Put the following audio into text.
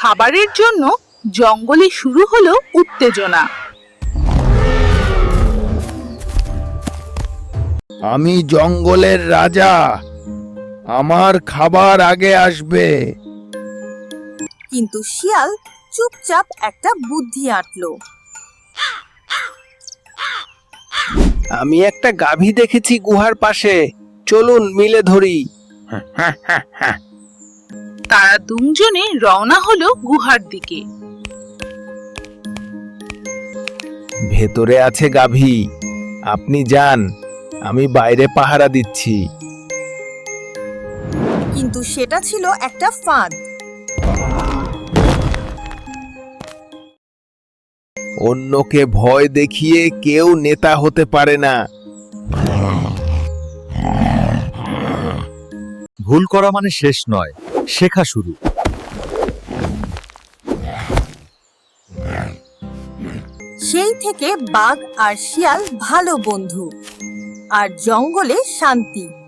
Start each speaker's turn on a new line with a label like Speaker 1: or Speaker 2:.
Speaker 1: খাবারের জন্য জঙ্গলে শুরু হলো উত্তেজনা।
Speaker 2: আমি জঙ্গলের রাজা, আমার খাবার আগে আসবে।
Speaker 3: কিন্তু শিয়াল চুপচাপ একটা বুদ্ধি আঁটলো।
Speaker 2: আমি একটা গাভী দেখেছি গুহার পাশে, চলুন মিলে ধরি।
Speaker 1: তারা দুজনে রওনা হলো গুহার দিকে।
Speaker 2: ভেতরে আছে গাভী, আপনি যান, আমি বাইরে পাহারা দিচ্ছি।
Speaker 3: কিন্তু সেটা ছিল একটা ফাঁদ।
Speaker 2: অন্যকে ভয় দেখিয়ে কেউ নেতা হতে পারে না।
Speaker 4: ভুল করা মানে শেষ নয়, শেখা শুরু।
Speaker 3: সেই থেকে বাঘ আর শিয়াল ভালো বন্ধু, আর জঙ্গলে শান্তি।